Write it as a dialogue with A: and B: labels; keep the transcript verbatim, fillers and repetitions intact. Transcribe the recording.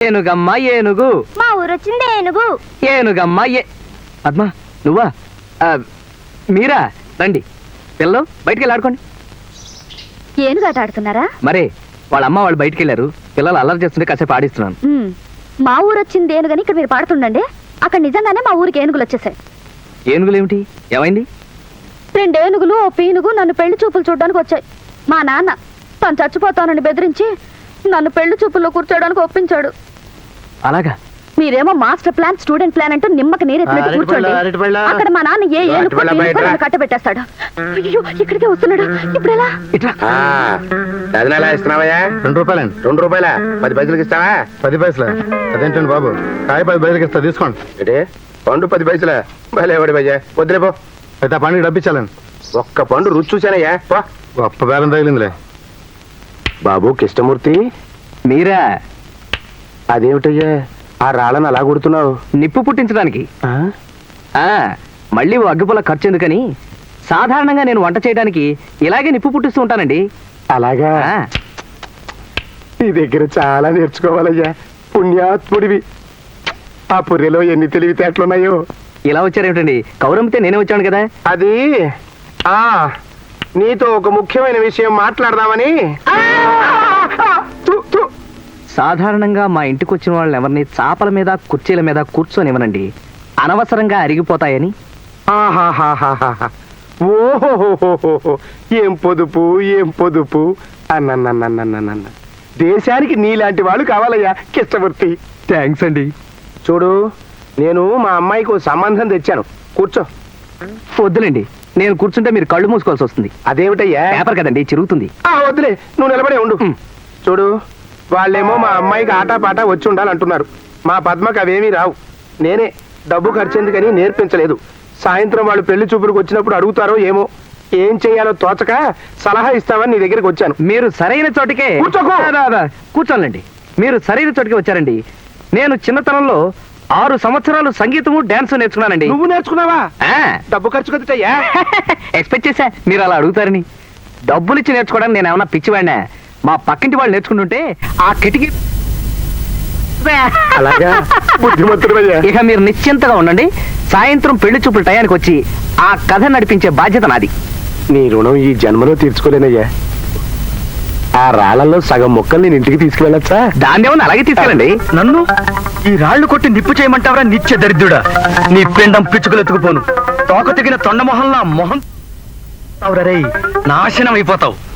A: ఏనుగమ్మ ఏనుగు.
B: మా ఊరు వచ్చింది ఏనుగు.
A: ఏనుగమ్మ ఏ పద్మ నువ్వా? ఆ, మీరా? రండి పిల్లలు బయటికి వెళ్ళి ఆడుకోండి.
B: ఏనుగాట ఆడుతున్నారా?
A: మరే వాళ్ళ అమ్మ వాళ్ళు బయటికి వెళ్ళారు, పిల్లలు అల్లరి చేస్తుంటే కాసేపు ఆడిస్తున్నాను.
B: ఉమ్, మా ఊరు వచ్చింది ఏనుగని ఇక్కడ మీరు పాడుతుండండి. అక్కడ నిజంగానే మా ఊరికి ఏనుగులు వచ్చేసాయి.
A: ఏనుగులు ఏమిటి? ఏమైంది?
B: రెండు ఏనుగులు ఓ పీనుగు నన్ను పెళ్లి చూపులు చూడడానికి వచ్చాయి. మా నాన్న తను చచ్చిపోతానని బెదిరించి నన్ను పెళ్లి చూపుల్లో కూర్చోడానికి ఒప్పించాడు.
A: అలాగా?
B: మీరేమో మాస్టర్ ప్లాన్ స్టూడెంట్ ప్లాన్ అంటూ నిమ్మకి నీరెత్తినట్టు కూర్చోండి. అక్కడ మా నాన్న ఏ ఏనుగు నన్ను కట్టబెట్టేస్తాడు. అయ్యో ఇక్కడికే వస్తున్నాడు, ఇప్పుడు ఎలా?
C: ఎలా ఇస్తున్నావయ్యా? రెండు రూపాయలండి. రెండు రూపాయల పది పైసలకి ఇస్తావా? పది పైసలు అదేంటండి బాబు, కాయ పది పైసలకి ఇస్తా, తీసుకోండి. అంటే పండు పది పైసలా? భలే వాడి భయ్యా, వద్దులే పో. అయితే ఆ పండుగ డబ్బిచ్చాలండి. ఒక్క పండు రుచి చూశానయ్యా, గొప్ప బేరం తగిలిందిలే. బాబు కృష్ణమూర్తి
A: మీరా?
C: అదేమిటయ్యా ఆ రాళ్ళని అలా కొడుతున్నావు?
A: నిప్పు పుట్టించడానికి. ఆ మళ్ళీ ఓ అగ్గిపుల్ల ఖర్చు ఎందుకని సాధారణంగా నేను వంట చేయడానికి ఇలాగే నిప్పు పుట్టిస్తూ ఉంటానండి.
C: అలాగా? నీ దగ్గర చాలా నేర్చుకోవాలయ్యా, పుణ్యాత్ముడివి. ఆ పుర్రెలో ఎన్ని తెలివితేటలున్నాయో.
A: ఇలా వచ్చారేమిటండి? కౌరమ్మితే నేనే వచ్చాను కదా.
C: అది ఆ నీతో ఒక ముఖ్యమైన విషయం మాట్లాడదామని.
A: సాధారణంగా మా ఇంటికి వచ్చిన వాళ్ళని ఎవరిని చాపల మీద కుర్చీల మీద కూర్చొనివ్వనండి, అనవసరంగా అరిగిపోతాయని.
C: ఓహోహోహోహో, ఏం పొదుపు ఏం పొదుపు అన్నన్నన్నన్నన్న. దేశానికి నీలాంటి వాళ్ళు కావాలయ్యా కృష్ణమూర్తి.
A: థ్యాంక్స్ అండి.
C: చూడు, నేను మా అమ్మాయికి సంబంధం తెచ్చాను, కూర్చో.
A: వద్దులేండి, నేను కూర్చుంటే మీరు కళ్ళు మూసుకోవాల్సి వస్తుంది.
C: అదేమిటయ్యా?
A: పేపర్ కదండి, చిరుగుతుంది.
C: వద్దులే, నువ్వు నిలబడే ఉండు. చూడు, వాళ్ళేమో మా అమ్మాయికి ఆటాపాట వచ్చి ఉండాలంటున్నారు. మా పద్మకు అవేమీ రావు. నేనే డబ్బు ఖర్చెందుకని నేర్పించలేదు. సాయంత్రం వాళ్ళు పెళ్లి చూపులకు వచ్చినప్పుడు అడుగుతారో ఏమో, ఏం చెయ్యాలో తోచక సలహా ఇస్తామని నీ దగ్గరికి వచ్చాను.
A: మీరు సరైన చోటికే కూర్చోండి. మీరు సరైన చోటికి వచ్చారండి. నేను చిన్నతనంలో ఆరు సంవత్సరాలు సంగీతము డాన్స్ నేర్చుకున్నానండి.
C: నువ్వు నేర్చుకున్నావా? డబ్బు ఖర్చు కదయ్యా.
A: ఎక్స్పెక్ట్ చేశా మీరు అలా అడుగుతారని. డబ్బులు ఇచ్చి నేర్చుకోవడానికి నేను ఏమన్నా పిచ్చివాడినా? మా పక్కింటి వాళ్ళు నేర్చుకుంటుంటే ఆ కిటికీ. ఇక మీరు నిశ్చింతగా ఉండండి. సాయంత్రం పెళ్లి చూపుల టయానికి వచ్చి ఆ కథ నడిపించే బాధ్యత నాది.
C: నీ రుణం ఈ జన్మలో తీర్చుకోలేనయ్యా. ఆ రాళ్లలో సగం మొక్కలు నేను ఇంటికి తీసుకువెళ్ళచ్చా?
A: దాన్ని ఏమన్నా అలాగే తీసుకెళ్ళండి. నన్ను ఈ రాళ్లు కొట్టి నిప్పు చేయమంటావరా నిత్య దరిద్రుడా? నీ పిండం పిచ్చుకలు ఎత్తుకుపోను. తోక తెగిన తొండమొహంలా మొహం నాశనం అయిపోతావు.